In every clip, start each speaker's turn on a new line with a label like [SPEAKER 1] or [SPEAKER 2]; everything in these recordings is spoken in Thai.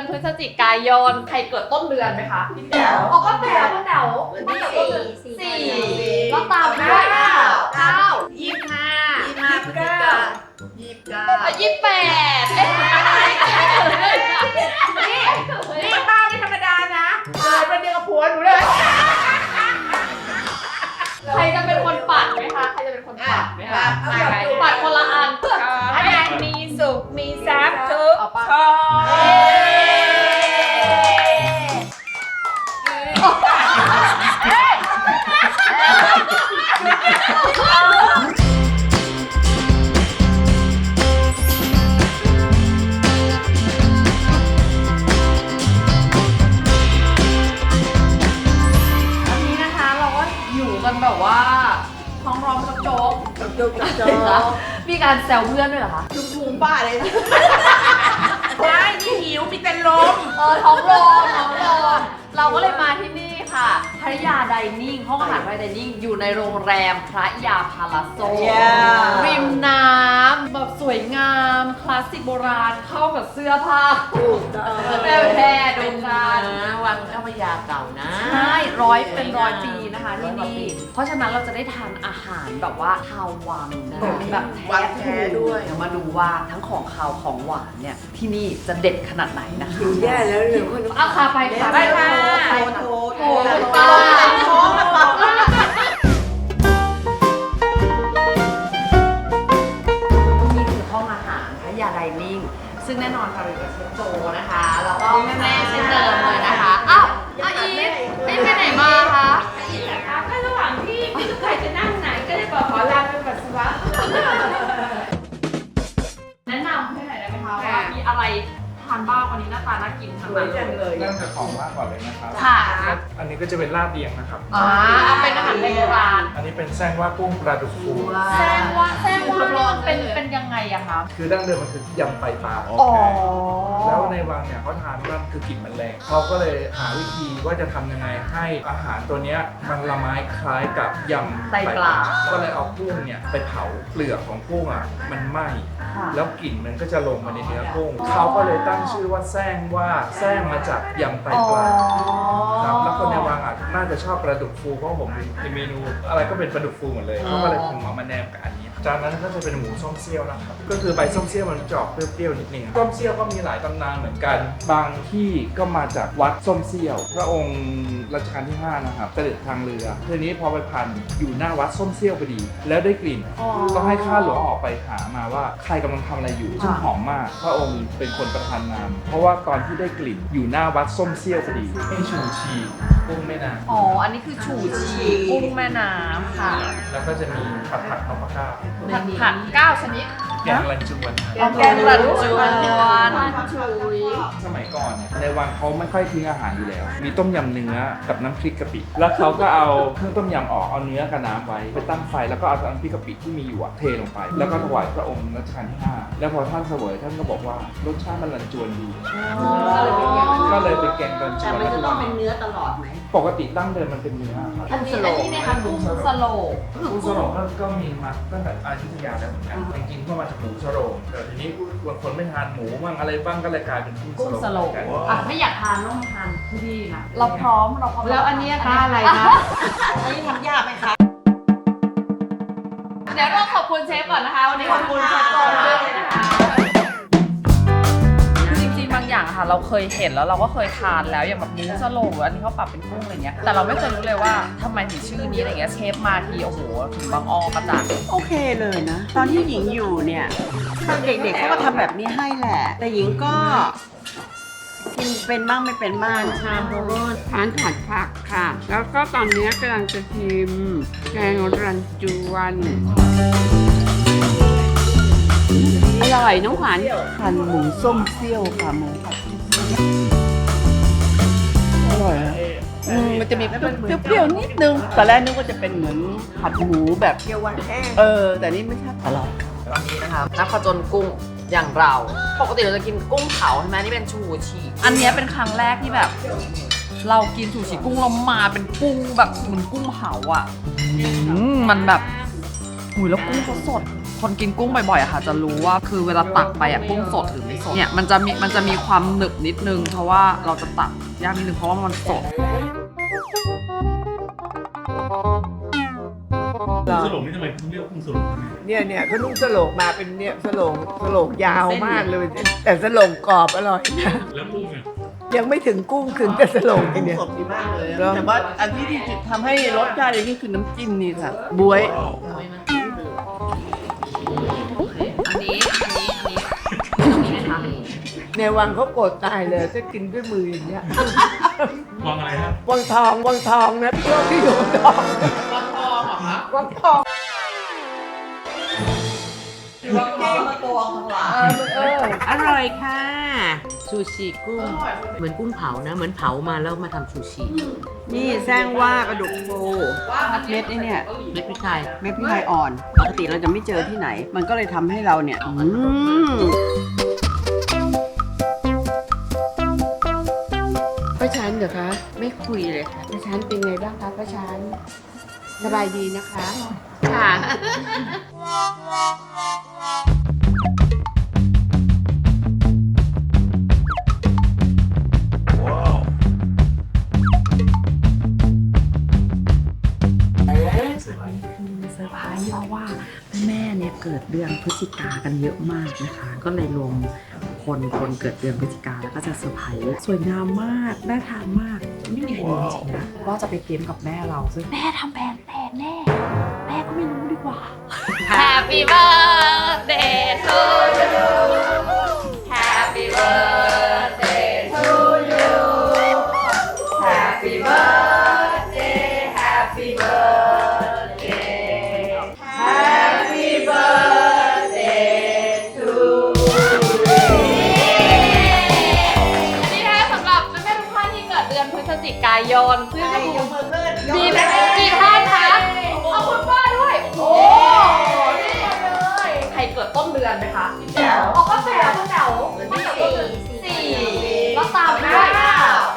[SPEAKER 1] พฤศจิกายนใครเกิดต้นเดือนไหมคะพี่แจ๋วอ๋อก็แจ๋วก็แจ๋วสี่ก็ตามด้วย9
[SPEAKER 2] 25 พฤศจิกา
[SPEAKER 1] 28
[SPEAKER 2] นี่ป้าไม่ธรรมดานะเป็นเดียวกับผัวหนูเลย
[SPEAKER 1] ใครจะเป็นคนปัดไหมคะใครจะเป็นคนปัดไหมคะปัดคนละอัน
[SPEAKER 2] ขอให้มีสุขมีทรัพย์ทุกคน
[SPEAKER 1] กันแบบว่าท้องร้องโจ๊กมีการแซวเพื่อนด้วยเหรอคะ
[SPEAKER 2] ลุงป้าเลยไม่นี่หิวมีแต่ลม
[SPEAKER 1] ท้องร้องเราก็เลยมาที่นี่ค่ะพัทยาไดนิ่งห้องอาหารพัทยาไดนิ่งอยู่ในโรงแรมพระยาพาลาโซริมน้ำแบบสวยงามคลาสสิกโบราณเข้ากับเสื้อผ้าแพร่ดูกัน
[SPEAKER 2] วังเจ้าพระยาเก่านะ
[SPEAKER 1] ใช่เป็นร้อยปีนะคะที่นี่เพราะฉะนั้นเราจะได้ทานอาหารแบบว่าชาววังนะแบบแท้ด้วยเดี๋ยวมาดูว่าทั้งของคาวของหวานเนี่ยที่นี่จะเด็ดขนาดไหนนะคะ
[SPEAKER 2] อยู่แย่แล้วหรือคุณ
[SPEAKER 1] เอาค่ะไปค่ะ
[SPEAKER 2] ไปค่ะ
[SPEAKER 1] โทร
[SPEAKER 2] ป้า
[SPEAKER 1] นี่คือห้องอาหารพัทยาไดนิ่งซึ่งแน่นอนค่ะเราอยู่กับเชฟโจนะคะแล้วก็แม่เช่นเดิมเลยนะคะอ้าวอีทไปไหนมาคะ
[SPEAKER 2] ก็ระหว่างที่ไม่รู้ใครจะนั่งไหนก็เลยบอกขอลาไปปัสสาวะ
[SPEAKER 1] แนะนำให้หน่อยได้ไหมคะว่ามีอะไรทานบ้างวันนี้หน้าตาน่ากินทั้งนั้นเลย
[SPEAKER 3] เริ่มจากของว่างก่อนเลยนะครับ
[SPEAKER 1] ค่ะ
[SPEAKER 3] อันนี้ก็จะเป็นลาบเลียงนะครับ
[SPEAKER 1] เอาเป็นอาหารโบราณ
[SPEAKER 3] อันนี้เป็นแซงว่ากุ้งปลาดุกฟู
[SPEAKER 1] แซงว่านี่มันเป็นยังไงอะคะ
[SPEAKER 3] คือดั้งเดิมมันคือยำไตปลา
[SPEAKER 1] อ๋อ
[SPEAKER 3] แล้วในวังเนี่ยเขาทานว่าคือกลิ่นมันแรงเขาก็เลยหาวิธีว่าจะทำยังไงให้อาหารตัวเนี้ยมันละไม้คล้ายกับยำไตปลา ก็เลยเอากุ้งเนี่ยไปเผาเปลือกของกุ้งอ่ะมันไหม้ แล้วกลิ่นมันก็จะลงมาในเนื้อกุ้งเขาก็เลยตั้งชื่อว่าแซงมาจากยำไตปลาครับแล้วคนในวังอ่ะน่าจะชอบปลาดุกฟูเพราะผมในเมนูอะไรก็เป็นปลาดุกฟูหมดเลยเขาก็เลยคงเอามาแนมกับอันนี้จานนั้นก็จะเป็นหมูส้มเซี่ยวนะครับก็คือใบส้มเซี่ยวมันจะออกเปรี้ยวๆนิดนึงส้มเซี่ยวก็มีหลายตำนานเหมือนกัน บางที่ก็มาจากวัดส้มเซี่ยว พระองค์รัชกาลที่5นะครับเสด็จทางเรือทีนี้พอไปพันอยู่หน้าวัดส้มเซี่ยวพอดี แล้วได้กลิ่นก็ให้ข้าหลวงออกไปหามาว่าใครกำลังทำอะไรอยู่ซึ่งหอมมากพระองค์เป็นคนประทานนามเพราะว่าตอนที่ได้กลิ่นอยู่หน้าวัดส้มเซี่ยวพอดีให้ชูชีกุ้งแม่น้ำ
[SPEAKER 1] อ๋ออันนี้คือฉู่ชีกุ้งแม่น้ำค่ะ
[SPEAKER 3] แล้วก็จะมีผัดนพก้า
[SPEAKER 1] ผัด9ชนิด
[SPEAKER 3] แกงรันจวน
[SPEAKER 1] แกงรันจวน
[SPEAKER 3] สมัยก่อนเนี่ยในวังเขาไม่ค่อยทิ้งอาหารอยู่แล้ว มีต้มยำเนื้อกับน้ำพริกกะปิ แล้วเขาก็เอาเครื่องต้มยำออกเอาเนื้อกับน้ำไว้ไปตั้งไฟแล้วก็เอาน้ำพริกกะปิที่มีอยู่อะเทลงไป แล้วก็ถวายพระองค์รัชกาลที่ 5 แล้วพอท่านเสวยท่านก็บอกว่ารสชาติมันรันจวนดีก็เลยเป็นแกงรันจวน
[SPEAKER 2] มันจะต้องเป็นเนื้อตลอดไหม
[SPEAKER 3] ปกติดั้งเดิมมันเป็นเนื้อครับ
[SPEAKER 1] อันนี้นะคะกุ้งสโลก
[SPEAKER 3] กุ้งสโรงก็มีมาตั้งแต่อยุธยาแล้วเหมือนกันจริงๆก็มาจากหมูสโรงแต่ทีนี้บางคนไม่ทานหมูบ้างอะไรบ้างก็เลยกลายเป็นกุ้
[SPEAKER 1] กุ้
[SPEAKER 3] ง
[SPEAKER 1] ง
[SPEAKER 3] ส
[SPEAKER 1] ส
[SPEAKER 3] โร
[SPEAKER 1] โล
[SPEAKER 3] ง
[SPEAKER 1] ก
[SPEAKER 3] กัน
[SPEAKER 1] อ่ะไม่อยากทานต้องมาทานที่นี่นะเราพร้อมแล้วอันนี้คะอะไรนะ
[SPEAKER 2] อันนี้ทำยากไหมคะ
[SPEAKER 1] เดี๋ยวเราขอบคุณเชฟก่อนนะคะวันนี้ขอบคุณเชฟก่อนเลยนะคะจริงๆบางอย่างค่ะเราเคยเห็นแล้วเราก็เคยทานแล้วอย่างแบบหมูสโลกหรืออันนี้เขาปรับเป็นกุ้งอะไรเงี้ยแต่เราไม่เคยรู้เลยว่าทำไมถึงชื่อนี้อะไรเงี้ยเชฟมาทีโอ้โหถึงบางอ้อกระจาย
[SPEAKER 4] โอเคเลยนะ ตอนที่หญิงอยู่เนี่ยตอนเด็กๆเขาก็ทำแบบนี้ให้แหละ แต่หญิงก็กินเป็นบ้างไม่เป็นบ้างชามโบราณทานผัดผักค่ะ แล้วก็ตอนนี้กำลังจะชิมแกงรันจวนอร่อยน้องขวัญหั่นหมูส้มเซี่ยวค่ะหมูผัดอร่อยอะมันจะมีเปรี้ยวๆนิดนึงตอนแรกนึกว่าจะเป็นเหมือนผัดหมูแบบเปรี้ยวหวานแห้งแต่นี่ไม่ใช่อร่อย
[SPEAKER 1] ตอนนี้นะคะนักผจญกุ้งอย่างเรา ปกติเราจะกินกุ้งเผาใช่ไหมนี่เป็นชูชีอันนี้เป็นครั้งแรกที่แบบ เรากินชูชีกุ้งแล้วมาเป็นกุ้งแบบเหมือนกุ้งเผาอ่ะมันแบบหุยแล้วกุ้งเขาสดคนกินกุ้งบ่อยๆอะค่ะจะรู้ว่าคือเวลาตักไปอะกุ้งสดหรือไม่สดเนี่ยมันจะมีความหนึบนิดนึงเพราะว่าเราจะตักยากนิดนึงเพราะว่ามันสด
[SPEAKER 5] สลงนี่ทำไมเรียกกุ้งสลง
[SPEAKER 2] เนี่ยเขานุ่งสโลงมาเป็นเนี่ยสโลงยาวมากเลย แต่สโลงกรอบอร่อยนะ
[SPEAKER 5] แล้วกุ้งเนี่ย
[SPEAKER 2] ยังไม่ถึงกุ้งถึงแต่สโลงทีเนี่ย
[SPEAKER 4] สดดีมากเลย
[SPEAKER 2] เหรอ
[SPEAKER 4] แต่ว่าอันที่ทำให้รสชาติอย่างนี้คือน้ำจิ้มนี่ค่ะบวย
[SPEAKER 1] อันนี้นะคะ
[SPEAKER 2] ในวังเขาโกรธตายเลยถ้ากินด้วยมืออย่างเงี้ยว
[SPEAKER 5] างอะไรครับ
[SPEAKER 2] วังทองนะเที่ยวที่อยู่ทองวังทองเหรอคะวังทอง
[SPEAKER 6] อร่อยค่ะ ซูชิกุ้ง เหมือนกุ้งเผานะ เหมือนเผามาแล้วมาทำซูชิ
[SPEAKER 4] นี่แซงว่ากระดูกฟูเม็ดไอ้เนี่ย
[SPEAKER 6] เม็ดพริกไทย
[SPEAKER 4] เม็ดพริกไทยอ่อน ปกติเราจะไม่เจอที่ไหน มันก็เลยทำให้เราเนี่ยป้าชันเหรอคะ ไม่คุยเลยค่ะป้าชันเป็นไงบ้างคะป้าชันสบายดีนะคะ ค่ะ
[SPEAKER 6] เซอร์ไพรส์เพราะว่าแม่เนี่ยเกิดเดือนพฤศจิกากันเยอะมากนะคะ ก็เลยรวมคนเกิดเดือนพฤศจิกาแล้วก็จะเซอร์ไพรส์สวยงามมากน่าทานมากไม่มีใครรู้จริงนะว่าจะไปเกมกับแม่เราซึ่งแม่ทำแผนแทนแน่แม่ก็ไม่รู้ดีกว่า
[SPEAKER 1] Happy birthday to you Happy birthday to you Happy birthday Happy birthday Happy birthday to you อันนี้นะสำหรับแม่ๆทุกท่านที่เกิดเดือนพฤศจิกายนซึ่งมีกี่ท่านคะเอาคุณป้าด้วย โอ้นี่เลยใครเกิดต้นเดือนไหมคะแจ๋วอ๋อก็แจ๋วคุณแจ๋วสี่แล้วตามด้วย9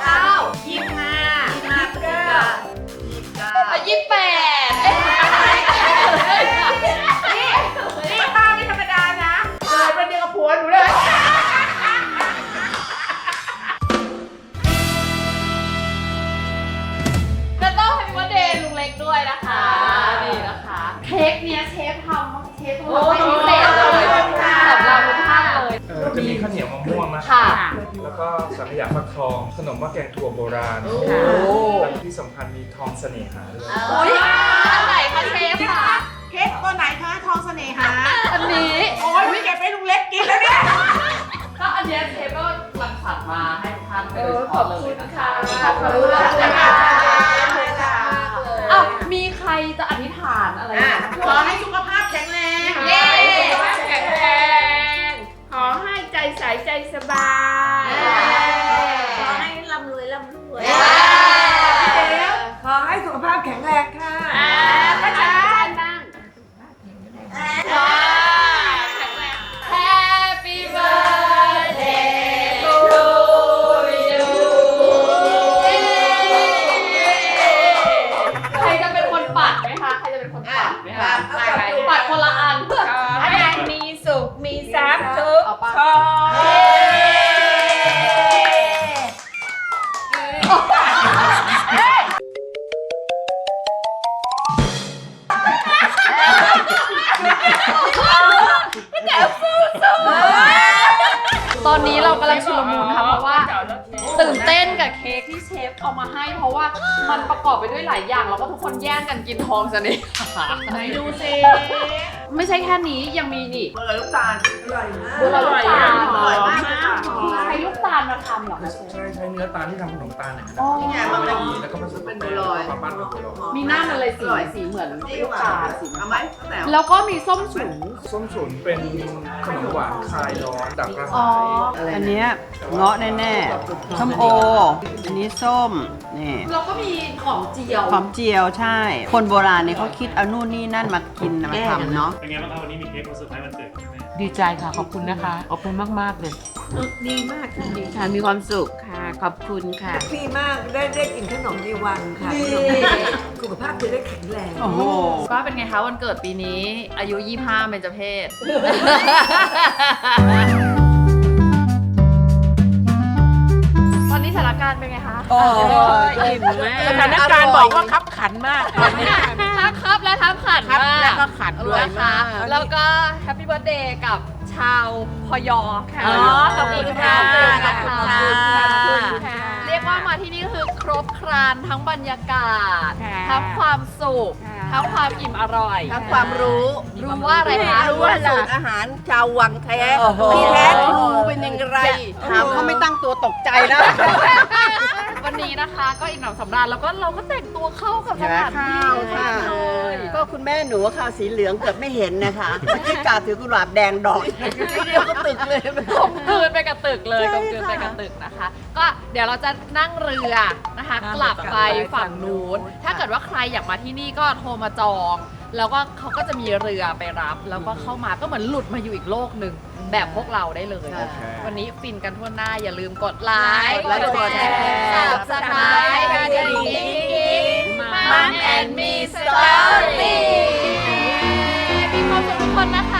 [SPEAKER 1] 28เอ๊ะ
[SPEAKER 2] นี่ป้าไม่ธรรมดานะเกิดวันเดียวกับผัวหนูเลย
[SPEAKER 1] จะต้องให้วันเดย์ลุงเล็กด้วยนะคะนี่นะคะ เค้กเนี้ยเชฟทำให้พิเศษเลยสำหรับทุกท่านเลย
[SPEAKER 3] จะมีข้าวเหนียวมะม่วงนะ
[SPEAKER 1] ค่ะ
[SPEAKER 3] แล้วก็สังขยาฟักทอง ขนมหม้อแกงถั่วโบราณ แล้วที่สำคัญมีทองเสน่หาด้วย
[SPEAKER 1] อุ้ยอันไหนคะเชฟค่ะ
[SPEAKER 2] เค้กตัวไหนคะทองเสน่หา
[SPEAKER 1] อันนี้
[SPEAKER 2] โอ้ยไม่เก็บให้ลุงเล็กกินแล้วเนี่ย
[SPEAKER 1] ก็อันเนี้ยเชฟก็รังสรรค์มาให้ทุกท่านโดยเฉพาะเลยนะคะ
[SPEAKER 2] ขอบคุณค่ะ
[SPEAKER 1] อ้าวมีใครจะอธิษฐานอะไรไหม
[SPEAKER 2] ขอให้สุขภาพแข็งแรง
[SPEAKER 1] เย้
[SPEAKER 2] แข็งแรงขอให้ใจใสใจสบายขอให้ร่ำรวยขอให้สุขภาพแข็งแรงค่ะป้าจ๋า
[SPEAKER 1] Happy birthday to you ใครจะเป็นคนปัดไหมคะ ใครจะเป็นคนปัดไหมคะปัดคนละอัน
[SPEAKER 2] ขอให้มีสุขมีทรัพย์ทุกคน
[SPEAKER 1] ตอนนี้เรากำลังชุลมุนค่ะเพราะว่าตื่นเต้นกับเค้กที่เชฟเอามาให้ เพราะว่ามันประกอบไปด้วยหลายอย่างแล้วก็ทุกคนแย่งกันกินทองซะนี่ไหนดูสิไม่ใช่แค่นี้ยังมีนี่
[SPEAKER 2] บัวลอยลูกตาลอร่อยมาก
[SPEAKER 1] บัวลอยลูกตาล
[SPEAKER 2] อร่อยมากเลยค่ะ
[SPEAKER 1] ใช้ลูกตาลมาทำเหรอคะเชฟ
[SPEAKER 3] ใช้เนื้อตาลที่ทำขนมตาลนะครับ
[SPEAKER 1] อ๋อ
[SPEAKER 3] แล้วก็ผสมเป็นบัวลอยมาปั้นเป็นบัวลอย
[SPEAKER 1] มีหน้ามันเลยสีเหมือนลูกตาลสี
[SPEAKER 2] เอาไหมแต่
[SPEAKER 1] แล้วก็มีส้มฉุน
[SPEAKER 3] ส้มฉุนเป็นขนมหวานคลายร้อนดับกระ
[SPEAKER 1] อ๋อ
[SPEAKER 3] หาย
[SPEAKER 4] อันเนี้ยเงาะแน่ๆส้มโอ อันนี้ส้ม นี่
[SPEAKER 1] แล้วก็มีหอมเจียว
[SPEAKER 4] หอมเจียวใช่ คนโบราณเนี่ยเขาคิดเอานู่นนี่นั่นมากินมาทำเนาะ
[SPEAKER 5] เป็นไงบ้างครับวันนี้มีเค้กมาเซอร์ไพรส์วันเกิดใช่ไหม
[SPEAKER 2] ดีใจค่ะ ขอบคุณนะคะ ขอบคุณมากๆเลย
[SPEAKER 4] ดีมากค่ะดีค่ะมีความสุขค่ะ ขอบคุณค่ะ
[SPEAKER 7] พี่มากได้กินขนมในวังค่ะสุขภาพจะได้แข็งแรง
[SPEAKER 4] โอ้โห
[SPEAKER 1] ก็เป็นไงคะวันเกิดปีนี้อายุ 25เบญจเพศ ตอนนี้สถานการณ์เป็นไงคะ
[SPEAKER 4] โอ้ยอิ่มมาก
[SPEAKER 2] สถานการณ์บอกว่าคับขันมากตอนนี้
[SPEAKER 1] ทั้งครับและทั้งขัน
[SPEAKER 2] ครับ
[SPEAKER 1] มาก
[SPEAKER 2] แล้วก็ขันด้วย
[SPEAKER 1] นะคะ
[SPEAKER 2] มาก
[SPEAKER 1] แล้วก็แฮปปี้เบิร์ a เดย์กับชาวพยค่ะ
[SPEAKER 2] อ๋อขอบคุณค่ะ
[SPEAKER 1] ขอบคุณ
[SPEAKER 2] ขอบ
[SPEAKER 1] ค่ะ
[SPEAKER 2] คุณค่ะ
[SPEAKER 1] เรียกว่ามาที่นี่ก็คือครบครันทั้งบรรยากาศ
[SPEAKER 2] ค่ะ
[SPEAKER 1] ทั้งความสุข
[SPEAKER 2] ค่ะ
[SPEAKER 1] ทั้งความอิ่มอร่อย
[SPEAKER 7] ทั้งความรู้
[SPEAKER 1] รู้ว่าอะไรคะ
[SPEAKER 7] รู้ว่าสูตรอาหารชาววังแท้
[SPEAKER 4] โอ้โห
[SPEAKER 7] ที่แท้ทรูเป็นยังไง
[SPEAKER 4] ถามเขาไม่ตั้งตัวตกใจนะ
[SPEAKER 1] วันนี้นะคะก็อิ่มหนำสำราญแล้วก็เราก็แต่งตัวเข้ากับสถานที่
[SPEAKER 4] ค่ะ
[SPEAKER 1] เลย
[SPEAKER 4] ก็คุณแม่หนูข่าวสีเหลืองเกือบไม่เห็นนะคะเมื่อกี้กาถือกุหลาบแดงดอกทีเดียวก็ตึกเลย
[SPEAKER 1] กลมกลืนไปกับตึกเลยกลมกลืนไปกับตึกนะคะ ก็เดี๋ยวเราจะนั่งเรือนะคะ กลับไปฝั่งนู้น ถ้าเกิดว่าใครอยากมาที่นี่ก็โทรมาจอง แล้วก็เขาก็จะมีเรือไปรับ แล้วก็เข้ามาก็เหมือนหลุดมาอยู่อีกโลกหนึ่งแบบพวกเราได้เลย วันนี้ฟินกันทั่วหน้าอย่าลืมกดไลค์
[SPEAKER 4] และกดแชร์
[SPEAKER 1] Subscribe กันดิ่งๆมันแอนมีสตอรี่มีความสุขทุกคนนะคะ